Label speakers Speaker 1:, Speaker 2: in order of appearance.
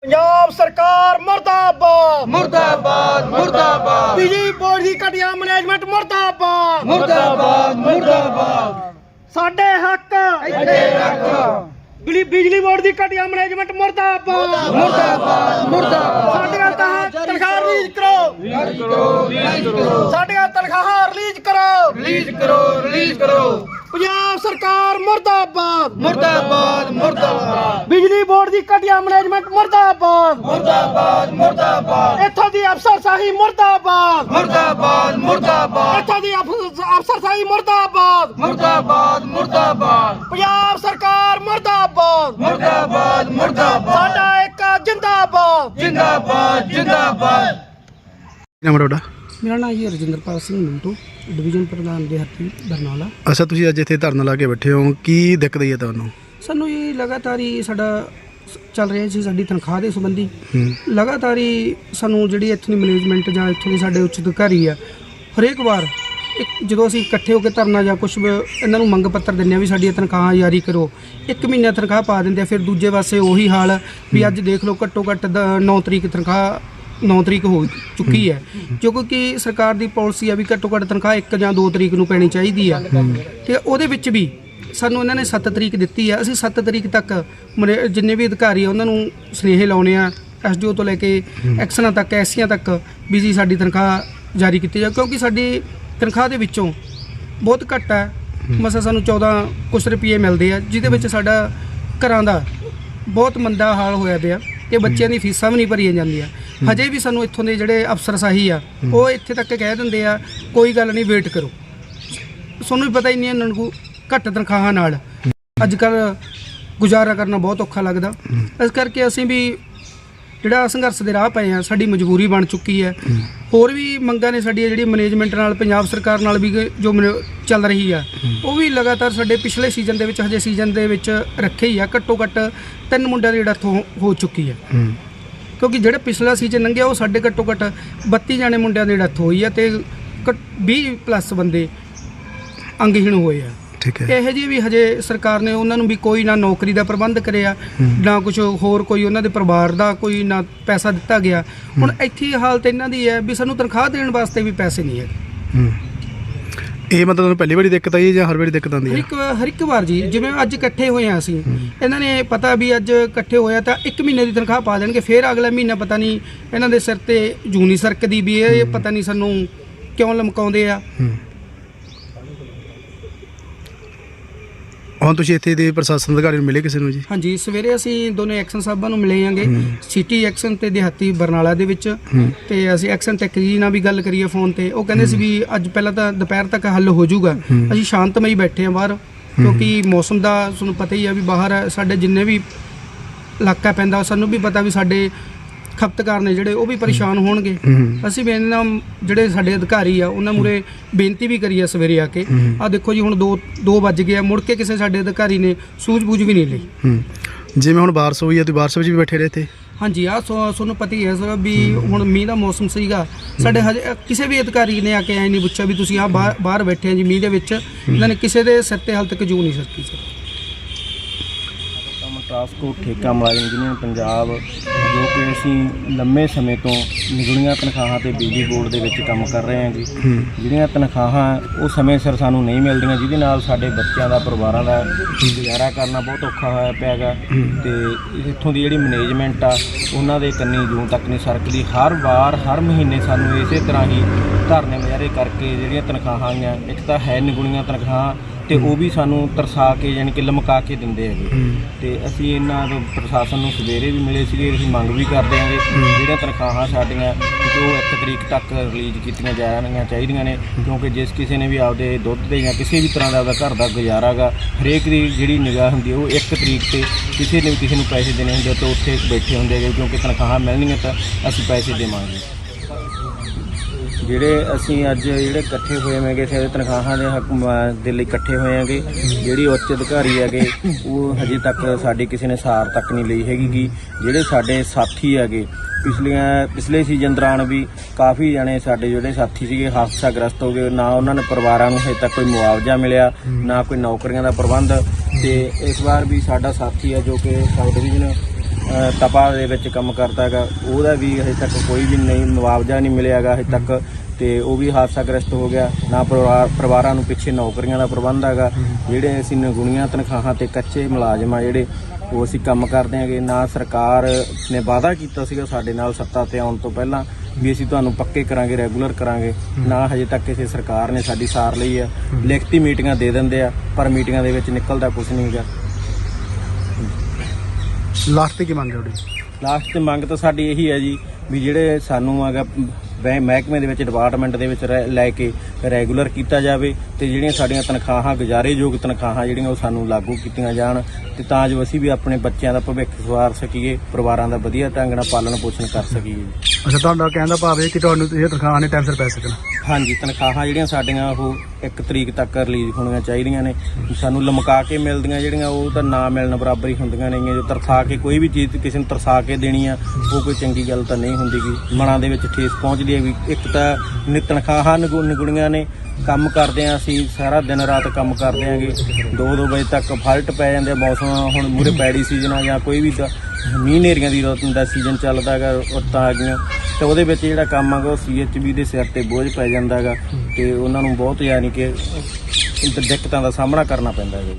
Speaker 1: पंजाब सरकार मुर्दाबाद
Speaker 2: मुर्दाबाद मुर्दाबाद
Speaker 1: बिजली बोर्ड की घटिया मैनेजमेंट मुर्दाबाद
Speaker 2: मुर्दाबाद मुर्दाबाद
Speaker 1: साडे हक
Speaker 2: इत्थे रख
Speaker 1: बिजली बोर्ड की घटिया मैनेजमेंट मुर्दाबाद
Speaker 2: मुर्दाबाद मुर्दाबाद
Speaker 1: साडे तनख्वाह रिलीज करो साडे तनख्वाह रिलीज करो
Speaker 2: रिलीज करो
Speaker 1: पंजाब सरकार मुर्दाबाद
Speaker 2: मुर्दाबाद मुर्दाबाद
Speaker 1: बिजली बोर्ड की घटिया मैनेजमेंट मुर्दाबाद
Speaker 2: मुर्दाबाद मुर्दाबाद
Speaker 1: इत्थों की अफसरशाही मुर्दाबाद
Speaker 2: मुर्दाबाद मुर्दाबाद
Speaker 1: इत्थों की अफसरशाही मुर्दाबाद
Speaker 2: मुर्दाबाद मुर्दाबाद
Speaker 1: पंजाब सरकार मुर्दाबाद
Speaker 2: मुर्दाबाद मुर्दाबाद
Speaker 1: साडा एक जिंदाबाद
Speaker 2: जिंदाबाद जिंदाबाद
Speaker 3: ਨਾਮ ਤੁਹਾਡਾ?
Speaker 4: ਮੇਰਾ ਨਾਮ ਜੀ ਰਜਿੰਦਰਪਾਲ ਸਿੰਘ ਮਿੰਟੂ ਡਿਵੀਜ਼ਨ ਪ੍ਰਧਾਨ ਦਿਹਾਤੀ ਬਰਨਾਲਾ।
Speaker 3: ਅੱਛਾ, ਤੁਸੀਂ ਅੱਜ ਇੱਥੇ ਧਰਨਾ ਲਾ ਕੇ ਬੈਠੇ ਹੋ, ਕੀ ਦਿੱਕਤ ਹੈ ਤੁਹਾਨੂੰ?
Speaker 4: ਸਾਨੂੰ ਇਹ ਲਗਾਤਾਰ ਹੀ ਸਾਡਾ ਚੱਲ ਰਿਹਾ ਸੀ ਸਾਡੀ ਤਨਖਾਹ ਦੇ ਸੰਬੰਧੀ ਲਗਾਤਾਰ ਹੀ ਸਾਨੂੰ ਜਿਹੜੀ ਇੱਥੋਂ ਦੀ ਮੈਨੇਜਮੈਂਟ ਜਾਂ ਇੱਥੋਂ ਦੇ ਸਾਡੇ ਉੱਚ ਅਧਿਕਾਰੀ ਆ ਹਰੇਕ ਵਾਰ ਜਦੋਂ ਅਸੀਂ ਇਕੱਠੇ ਹੋ ਕੇ ਧਰਨਾ ਜਾਂ ਕੁਝ ਇਹਨਾਂ ਨੂੰ ਮੰਗ ਪੱਤਰ ਦਿੰਦੇ ਆ ਵੀ ਸਾਡੀਆਂ ਤਨਖਾਹਾਂ ਜਾਰੀ ਕਰੋ, 1 ਮਹੀਨਾ ਤਨਖਾਹ ਪਾ ਦਿੰਦੇ ਆ। ਫਿਰ ਦੂਜੇ ਪਾਸੇ ਉਹੀ ਹਾਲ ਵੀ ਅੱਜ ਦੇਖ ਲਓ ਘੱਟੋ ਘੱਟ 9 ਤਰੀਕ ਤਨਖਾਹ 9 ਤਰੀਕ ਹੋ ਚੁੱਕੀ ਹੈ, ਕਿਉਂਕਿ ਸਰਕਾਰ ਦੀ ਪਾਲਿਸੀ ਆ ਵੀ ਘੱਟੋ ਘੱਟ ਤਨਖਾਹ 1 ਜਾਂ 2 ਤਰੀਕ ਨੂੰ ਪੈਣੀ ਚਾਹੀਦੀ ਆ। ਤੇ ਉਹਦੇ ਵਿੱਚ ਵੀ ਸਾਨੂੰ ਇਹਨਾਂ ਨੇ 7 ਤਰੀਕ ਦਿੱਤੀ ਆ। ਅਸੀਂ 7 ਤਰੀਕ ਤੱਕ ਜਿੰਨੇ ਵੀ ਅਧਿਕਾਰੀ ਆ ਉਹਨਾਂ ਨੂੰ ਸੁਨੇਹੇ ਲਾਉਣੇ ਆ, SDO ਤੋਂ ਲੈ ਕੇ ਐਕਸ਼ਨਾਂ ਤੱਕ, ਐਸੀਆਂ ਤੱਕ ਵੀ ਜੀ ਸਾਡੀ ਤਨਖਾਹ ਜਾਰੀ ਕੀਤੀ ਜਾ, ਕਿਉਂਕਿ ਸਾਡੀ ਤਨਖਾਹ ਦੇ ਵਿੱਚੋਂ ਬਹੁਤ ਘੱਟ ਹੈ। ਮਸਾ ਸਾਨੂੰ 14 ਕੁਛ ਰੁਪਏ ਮਿਲਦੇ ਆ, ਜਿਹਦੇ ਵਿੱਚ ਸਾਡਾ ਘਰਾਂ ਦਾ ਬਹੁਤ ਮੰਦਾ ਹਾਲ ਹੋਇਆ ਪਿਆ ਕਿ ਬੱਚਿਆਂ ਦੀ ਫੀਸਾਂ ਵੀ ਨਹੀਂ ਭਰੀਆਂ ਜਾਂਦੀਆਂ। ਹਜੇ ਵੀ ਸਾਨੂੰ ਇੱਥੋਂ ਦੇ ਜਿਹੜੇ ਅਫਸਰਸ਼ਾਹੀ ਆ ਉਹ ਇੱਥੇ ਤੱਕ ਕਹਿ ਦਿੰਦੇ ਆ ਕੋਈ ਗੱਲ ਨਹੀਂ, ਵੇਟ ਕਰੋ। ਤੁਹਾਨੂੰ ਵੀ ਪਤਾ ਹੀ ਨਹੀਂ ਇਹਨਾਂ ਨੂੰ ਘੱਟ ਤਨਖਾਹਾਂ ਨਾਲ ਅੱਜ ਕੱਲ੍ਹ ਗੁਜ਼ਾਰਾ ਕਰਨਾ ਬਹੁਤ ਔਖਾ ਲੱਗਦਾ। ਇਸ ਕਰਕੇ ਅਸੀਂ ਵੀ ਜਿਹੜਾ ਸੰਘਰਸ਼ ਦੇ ਰਾਹ ਪਏ ਆ, ਸਾਡੀ ਮਜਬੂਰੀ ਬਣ ਚੁੱਕੀ ਹੈ। ਹੋਰ ਵੀ ਮੰਗਾਂ ਨੇ ਸਾਡੀਆਂ ਜਿਹੜੀ ਮੈਨੇਜਮੈਂਟ ਨਾਲ, ਪੰਜਾਬ ਸਰਕਾਰ ਨਾਲ ਵੀ ਜੋ ਚੱਲ ਰਹੀ ਆ, ਉਹ ਵੀ ਲਗਾਤਾਰ ਸਾਡੇ ਪਿਛਲੇ ਸੀਜ਼ਨ ਦੇ ਵਿੱਚ, ਹਜੇ ਸੀਜ਼ਨ ਦੇ ਵਿੱਚ ਰੱਖੇ ਹੀ ਆ। ਘੱਟੋ ਘੱਟ 3 ਮੁੰਡਿਆਂ ਦੀ ਡੈਥ ਹੋ ਚੁੱਕੀ ਹੈ, ਕਿਉਂਕਿ ਜਿਹੜਾ ਪਿਛਲਾ ਸੀਜ਼ਨ ਲੰਘਿਆ ਉਹ ਸਾਡੇ ਘੱਟੋ ਘੱਟ 32 ਜਾਣੇ ਮੁੰਡਿਆਂ ਦੀ ਡੈਥ ਹੋਈ ਆ ਤੇ 20+ ਬੰਦੇ ਅੰਗਹੀਣ ਹੋਏ ਆ।
Speaker 3: ਠੀਕ ਹੈ।
Speaker 4: ਇਹੋ ਜਿਹੀ ਵੀ ਹਜੇ ਸਰਕਾਰ ਨੇ ਉਹਨਾਂ ਨੂੰ ਵੀ ਕੋਈ ਨਾ ਨੌਕਰੀ ਦਾ ਪ੍ਰਬੰਧ ਕਰਿਆ, ਨਾ ਕੁਝ ਹੋਰ, ਕੋਈ ਉਹਨਾਂ ਦੇ ਪਰਿਵਾਰ ਦਾ ਕੋਈ ਨਾ ਪੈਸਾ ਦਿੱਤਾ ਗਿਆ। ਹੁਣ ਇੱਥੇ ਹਾਲਤ ਇਹਨਾਂ ਦੀ ਹੈ ਵੀ ਸਾਨੂੰ ਤਨਖਾਹ ਦੇਣ ਵਾਸਤੇ ਵੀ ਪੈਸੇ ਨਹੀਂ ਹੈਗੇ।
Speaker 3: ਇਹ ਮਤਲਬ ਤੁਹਾਨੂੰ ਪਹਿਲੀ ਵਾਰੀ ਦਿੱਕਤ ਆਈ ਜਾਂ ਹਰ ਵਾਰੀ ਦਿੱਕਤ ਆਉਂਦੀ ਹੈ?
Speaker 4: ਹਰ ਇੱਕ ਵਾਰ ਜੀ, ਜਿਵੇਂ ਅੱਜ ਇਕੱਠੇ ਹੋਏ ਆ ਅਸੀਂ, ਇਹਨਾਂ ਨੇ ਪਤਾ ਵੀ ਅੱਜ ਇਕੱਠੇ ਹੋਇਆ ਤਾਂ 1 ਮਹੀਨੇ ਦੀ ਤਨਖਾਹ ਪਾ ਦੇਣਗੇ, ਫਿਰ ਅਗਲਾ ਮਹੀਨਾ ਪਤਾ ਨਹੀਂ ਇਹਨਾਂ ਦੇ ਸਿਰ ਤੇ ਜੂਨੀ ਸਰਕਦੀ ਵੀ ਇਹ ਪਤਾ ਨਹੀਂ ਸਾਨੂੰ ਕਿਉਂ ਲਮਕਾਉਂਦੇ ਆ।
Speaker 3: ਹੁਣ ਤੁਸੀਂ ਇੱਥੇ ਦੇ ਪ੍ਰਸ਼ਾਸਨ ਅਧਿਕਾਰੀ ਨੂੰ ਮਿਲੇ ਕਿਸੇ ਨੂੰ ਜੀ?
Speaker 4: ਹਾਂਜੀ, ਸਵੇਰੇ ਅਸੀਂ ਦੋਨੇ ਐਕਸ਼ਨ ਸਾਹਿਬਾਂ ਨੂੰ ਮਿਲੇ ਆਂਗੇ, ਸਿਟੀ ਐਕਸ਼ਨ ਤੇ ਦਿਹਾਤੀ ਬਰਨਾਲਾ ਦੇ ਵਿੱਚ। ਤੇ ਅਸੀਂ ਐਕਸ਼ਨ ਟੈਕ ਜੀ ਨਾਲ ਵੀ ਗੱਲ ਕਰੀਏ ਫੋਨ ਤੇ, ਉਹ ਕਹਿੰਦੇ ਸੀ ਵੀ ਅੱਜ ਪਹਿਲਾਂ ਤਾਂ ਦੁਪਹਿਰ ਤੱਕ ਹੱਲ ਹੋ ਜਾਊਗਾ। ਅਸੀਂ ਸ਼ਾਂਤਮਈ ਬੈਠੇ ਆ ਬਾਹਰ, ਕਿਉਂਕਿ ਮੌਸਮ ਦਾ ਤੁਹਾਨੂੰ ਪਤਾ ਹੀ ਆ ਵੀ ਬਾਹਰ ਸਾਡੇ ਜਿੰਨੇ ਵੀ ਇਲਾਕਾ ਪੈਂਦਾ, ਸਾਨੂੰ ਵੀ ਪਤਾ ਵੀ ਸਾਡੇ ਖਪਤਕਾਰ ਨੇ ਜਿਹੜੇ ਉਹ ਵੀ ਪਰੇਸ਼ਾਨ ਹੋਣਗੇ। ਅਸੀਂ ਵੀ ਇਹਨਾਂ ਜਿਹੜੇ ਸਾਡੇ ਅਧਿਕਾਰੀ ਆ ਉਹਨਾਂ ਮੂਰੇ ਬੇਨਤੀ ਵੀ ਕਰੀ ਆ ਸਵੇਰੇ ਆ ਕੇ। ਆ ਦੇਖੋ ਜੀ, ਹੁਣ 2 ਵੱਜ ਗਏ ਆ, ਮੁੜ ਕੇ ਕਿਸੇ ਸਾਡੇ ਅਧਿਕਾਰੀ ਨੇ ਸੂਝ-ਬੂਝ ਵੀ ਨਹੀਂ ਲਈ।
Speaker 3: ਜਿਵੇਂ ਹੁਣ ਬਾਰਿਸ਼ ਹੋਈ ਹੈ ਤੇ ਬਾਰਿਸ਼ ਵਿੱਚ ਵੀ ਬੈਠੇ ਰਹੇ ਇੱਥੇ?
Speaker 4: ਹਾਂਜੀ, ਆ ਤੁਹਾਨੂੰ ਪਤਾ ਹੀ ਹੈ ਸਰ ਵੀ ਹੁਣ ਮੀਂਹ ਦਾ ਮੌਸਮ ਸੀਗਾ। ਸਾਡੇ ਹਜੇ ਕਿਸੇ ਵੀ ਅਧਿਕਾਰੀ ਨੇ ਆ ਕੇ ਐ ਨਹੀਂ ਪੁੱਛਿਆ ਵੀ ਤੁਸੀਂ ਆ ਬਾਹਰ ਬੈਠੇ ਆ ਜੀ ਮੀਂਹ ਦੇ ਵਿੱਚ। ਇਹਨਾਂ ਨੇ ਕਿਸੇ ਦੇ ਸਿਰ ਤੇ ਹਾਲ ਤੱਕ ਜੂ ਨਹੀਂ ਸਕਦੀ ਸਰ।
Speaker 5: ਟਰਾਂਸਪੋਰਟ ਠੇਕਾ ਮੁਲਾਜ਼ਮ ਯੂਨੀਅਨ ਪੰਜਾਬ, ਜੋ ਕਿ ਅਸੀਂ ਲੰਮੇ ਸਮੇਂ ਤੋਂ ਨਿਗੁਣੀਆਂ ਤਨਖਾਹਾਂ ਤੇ ਬਿਜਲੀ ਬੋਰਡ ਦੇ ਵਿੱਚ ਕੰਮ ਕਰ ਰਹੇ ਹਾਂ ਜੀ। ਜਿਹੜੀਆਂ ਤਨਖਾਹਾਂ ਉਹ ਸਮੇਂ ਸਿਰ ਸਾਨੂੰ ਨਹੀਂ ਮਿਲਦੀਆਂ, ਜਿਹਦੇ ਨਾਲ ਸਾਡੇ ਬੱਚਿਆਂ ਦਾ, ਪਰਿਵਾਰਾਂ ਦਾ ਗੁਜ਼ਾਰਾ ਕਰਨਾ ਬਹੁਤ ਔਖਾ ਹੋਇਆ ਪਿਆ ਗਾ। ਤੇ ਇੱਥੋਂ ਦੀ ਜਿਹੜੀ ਮੈਨੇਜਮੈਂਟ ਆ ਉਹਨਾਂ ਦੇ ਕੰਨੀ ਜੂਨ ਤੱਕ ਨਹੀਂ ਸਰਕਦੀ। ਹਰ ਵਾਰ ਹਰ ਮਹੀਨੇ ਸਾਨੂੰ ਇਸੇ ਤਰ੍ਹਾਂ ਹੀ ਧਰਨੇ ਮੁਜ਼ਾਹਰੇ ਕਰਕੇ ਜਿਹੜੀਆਂ ਤਨਖਾਹਾਂ ਆਈਆਂ, ਇੱਕ ਤਾਂ ਹੈ ਨਿਗੁਣੀਆਂ ਤਨਖਾਹਾਂ ਤੇ ਉਹ ਵੀ ਸਾਨੂੰ ਤਰਸਾ ਕੇ ਯਾਨੀ ਕਿ ਲਮਕਾ ਕੇ ਦਿੰਦੇ ਹੈਗੇ। ਤੇ ਅਸੀਂ ਇਹਨਾਂ ਤੋਂ ਪ੍ਰਸ਼ਾਸਨ ਨੂੰ ਸਵੇਰੇ ਵੀ ਮਿਲੇ ਸੀਗੇ, ਅਸੀਂ ਮੰਗ ਵੀ ਕਰਦੇ ਹਾਂਗੇ ਜਿਹੜੀਆਂ ਤਨਖਾਹਾਂ ਸਾਡੀਆਂ ਜੋ 1 ਤਰੀਕ ਤੱਕ ਰਿਲੀਜ਼ ਕੀਤੀਆਂ ਜਾਣੀਆਂ ਚਾਹੀਦੀਆਂ ਨੇ, ਕਿਉਂਕਿ ਜਿਸ ਕਿਸੇ ਨੇ ਵੀ ਆਪਦੇ ਦੁੱਧ ਦੇ ਜਾਂ ਕਿਸੇ ਵੀ ਤਰ੍ਹਾਂ ਦਾ ਆਪਦਾ ਘਰ ਦਾ ਗੁਜ਼ਾਰਾ ਗਾ, ਹਰੇਕ ਦੀ ਜਿਹੜੀ ਨਿਗਾਹ ਹੁੰਦੀ ਉਹ 1 ਤਰੀਕ ਤੇ ਕਿਸੇ ਨੇ ਵੀ ਕਿਸੇ ਨੂੰ ਪੈਸੇ ਦੇਣੇ ਹੁੰਦੇ ਤਾਂ ਉੱਥੇ ਬੈਠੇ ਹੁੰਦੇ ਹੈਗੇ, ਕਿਉਂਕਿ ਤਨਖਾਹਾਂ ਮਿਲਣਗੀਆਂ ਤਾਂ ਅਸੀਂ ਪੈਸੇ ਦੇਵਾਂਗੇ। ਜਿਹੜੇ ਅਸੀਂ ਅੱਜ ਇਕੱਠੇ ਹੋਏ ਹੈਗੇ ਸਾਡੇ ਤਨਖਾਹਾਂ ਦੇ ਹੱਕ ਦੇ ਲਈ ਇਕੱਠੇ ਹੋਏ ਹੈਗੇ, ਜਿਹੜੀ ਉੱਚ ਅਧਿਕਾਰੀ ਹੈਗੇ ਉਹ ਹਜੇ ਤੱਕ ਸਾਡੀ ਕਿਸੇ ਨੇ ਸਾਰ ਤੱਕ ਨਹੀਂ ਲਈ ਹੈਗੀ ਗੀ। ਜਿਹੜੇ ਸਾਡੇ ਸਾਥੀ ਹੈਗੇ ਪਿਛਲੇ ਸੀਜ਼ਨ ਦੌਰਾਨ ਵੀ ਕਾਫੀ ਜਣੇ ਸਾਡੇ ਜਿਹੜੇ ਸਾਥੀ ਸੀਗੇ ਹਾਦਸਾਗ੍ਰਸਤ ਹੋ ਗਏ, ਨਾ ਉਹਨਾਂ ਨੇ ਪਰਿਵਾਰਾਂ ਨੂੰ ਹਜੇ ਤੱਕ ਕੋਈ ਮੁਆਵਜ਼ਾ ਮਿਲਿਆ, ਨਾ ਕੋਈ ਨੌਕਰੀਆਂ ਦਾ ਪ੍ਰਬੰਧ। ਤੇ ਇਸ ਵਾਰ ਵੀ ਸਾਡਾ ਸਾਥੀ ਹੈ ਜੋ ਕਿ ਸਾਊਥ ਡਿਵੀਜ਼ਨ ਤਪਾ ਦੇ ਵਿੱਚ ਕੰਮ ਕਰਦਾ ਹੈਗਾ, ਉਹਦਾ ਵੀ ਹਜੇ ਤੱਕ ਕੋਈ ਵੀ ਨਹੀਂ ਮੁਆਵਜ਼ਾ ਨਹੀਂ ਮਿਲਿਆ ਹੈਗਾ ਹਜੇ ਤੱਕ, ਤੇ ਉਹ ਵੀ ਹਾਦਸਾਗ੍ਰਸਤ ਹੋ ਗਿਆ। ਨਾ ਪਰਿਵਾਰਾਂ ਨੂੰ ਪਿੱਛੇ ਨੌਕਰੀਆਂ ਦਾ ਪ੍ਰਬੰਧ ਹੈਗਾ। ਜਿਹੜੇ ਅਸੀਂ ਨਿਗੁਣੀਆਂ ਤਨਖਾਹਾਂ ਤੇ ਕੱਚੇ ਮੁਲਾਜ਼ਮ ਆ ਜਿਹੜੇ ਉਹ ਅਸੀਂ ਕੰਮ ਕਰਦੇ ਹੈਗੇ। ਨਾ ਸਰਕਾਰ ਨੇ ਵਾਅਦਾ ਕੀਤਾ ਸੀਗਾ ਸਾਡੇ ਨਾਲ ਸੱਤਾ ਤੇ ਆਉਣ ਤੋਂ ਪਹਿਲਾਂ ਵੀ ਅਸੀਂ ਤੁਹਾਨੂੰ ਪੱਕੇ ਕਰਾਂਗੇ, ਰੈਗੂਲਰ ਕਰਾਂਗੇ, ਨਾ ਹਜੇ ਤੱਕ ਕਿਸੇ ਸਰਕਾਰ ਨੇ ਸਾਡੀ ਸਾਰ ਲਈ ਆ। ਲਿਖਤੀ ਮੀਟਿੰਗਾਂ ਦੇ ਦਿੰਦੇ ਆ ਪਰ ਮੀਟਿੰਗਾਂ ਦੇ ਵਿੱਚ ਨਿਕਲਦਾ ਕੁਝ ਨਹੀਂ ਹੈਗਾ।
Speaker 3: ਲਾਸਟ ਤੇ ਕੀ ਮੰਗ ਹੈ ਤੁਹਾਡੀ?
Speaker 5: ਲਾਸਟ ਤੇ ਮੰਗ ਤਾਂ ਸਾਡੀ ਇਹੀ ਹੈ ਜੀ ਵੀ ਜਿਹੜੇ ਸਾਨੂੰ ਹੈਗਾ ਮਹਿਕਮੇ ਦੇ ਵਿੱਚ ਡਿਪਾਰਟਮੈਂਟ ਦੇ ਵਿੱਚ ਲੈ ਕੇ ਰੈਗੂਲਰ ਕੀਤਾ ਜਾਵੇ ਤੇ ਜਿਹੜੀਆਂ ਸਾਡੀਆਂ ਤਨਖਾਹਾਂ ਗੁਜ਼ਾਰੇਯੋਗ ਤਨਖਾਹਾਂ ਜਿਹੜੀਆਂ ਉਹ ਸਾਨੂੰ ਲਾਗੂ ਕੀਤੀਆਂ ਜਾਣ ਤੇ ਤਾਂ ਜੋ ਅਸੀਂ ਵੀ ਆਪਣੇ ਬੱਚਿਆਂ ਦਾ ਭਵਿੱਖ ਸਵਾਰ ਸਕੀਏ, ਪਰਿਵਾਰਾਂ ਦਾ ਵਧੀਆ ਢੰਗ ਨਾਲ ਪਾਲਣ ਪੋਸ਼ਣ ਕਰ ਸਕੀਏ ਜੀ।
Speaker 3: ਅੱਛਾ, ਤੁਹਾਡਾ ਕਹਿਣ ਦਾ ਭਾਵ ਇਹ ਕਿ ਤੁਹਾਨੂੰ ਇਹ ਤਨਖਾਹਾਂ ਨੇ ਟਾਈਮ ਸਿਰ ਪੈ ਸਕਣ?
Speaker 5: ਹਾਂਜੀ, ਤਨਖਾਹਾਂ ਜਿਹੜੀਆਂ ਸਾਡੀਆਂ ਉਹ 1 ਤਰੀਕ ਤੱਕ ਰਿਲੀਜ਼ ਹੋਣੀਆਂ ਚਾਹੀਦੀਆਂ ਨੇ। ਸਾਨੂੰ ਲਮਕਾ ਕੇ ਮਿਲਦੀਆਂ ਜਿਹੜੀਆਂ ਉਹ ਤਾਂ ਨਾ ਮਿਲਣ ਬਰਾਬਰ ਹੀ ਹੁੰਦੀਆਂ ਨੇਗੀਆਂ। ਜੋ ਤਰਸਾ ਕੇ ਕੋਈ ਵੀ ਚੀਜ਼ ਕਿਸੇ ਨੂੰ ਤਰਸਾ ਕੇ ਦੇਣੀ ਆ ਉਹ ਕੋਈ ਚੰਗੀ ਗੱਲ ਤਾਂ ਨਹੀਂ ਹੁੰਦੀ ਗੀ। ਮਨਾਂ ਦੇ ਵਿੱਚ ਠੇਸ ਪਹੁੰਚਦੀ ਹੈ ਵੀ ਇੱਕ ਤਾਂ ਤਨਖਾਹਾਂ ਨਿਗੁਣੀਆਂ ਨੇ, ਕੰਮ ਕਰਦੇ ਆ ਅਸੀਂ ਸਾਰਾ ਦਿਨ ਰਾਤ ਕੰਮ ਕਰਦੇ ਆਂਗੇ, 2-2 ਵਜੇ ਤੱਕ ਫਾਲਟ ਪੈ ਜਾਂਦੇ। ਮੌਸਮ ਹੁਣ ਮੂਰੇ ਪੈੜੀ ਸੀਜ਼ਨ ਆ ਜਾਂ ਕੋਈ ਵੀ ਮੀਂਹ ਹਨੇਰੀਆਂ ਦੀ ਰੁੱਤ ਦਾ ਸੀਜ਼ਨ ਚੱਲਦਾ ਹੈਗਾ, ਰੁੱਤਾਂ ਆ ਗਈਆਂ ਤੇ ਉਹਦੇ ਵਿੱਚ ਜਿਹੜਾ ਕੰਮ ਹੈਗਾ ਉਹ CHB ਦੇ ਸਿਰ ਤੇ ਬੋਝ ਪੈ ਜਾਂਦਾ ਹੈਗਾ ਤੇ ਉਹਨਾਂ ਨੂੰ ਬਹੁਤ ਯਾਨੀ ਕਿ ਦਿੱਕਤਾਂ ਦਾ ਸਾਹਮਣਾ ਕਰਨਾ ਪੈਂਦਾ ਹੈ।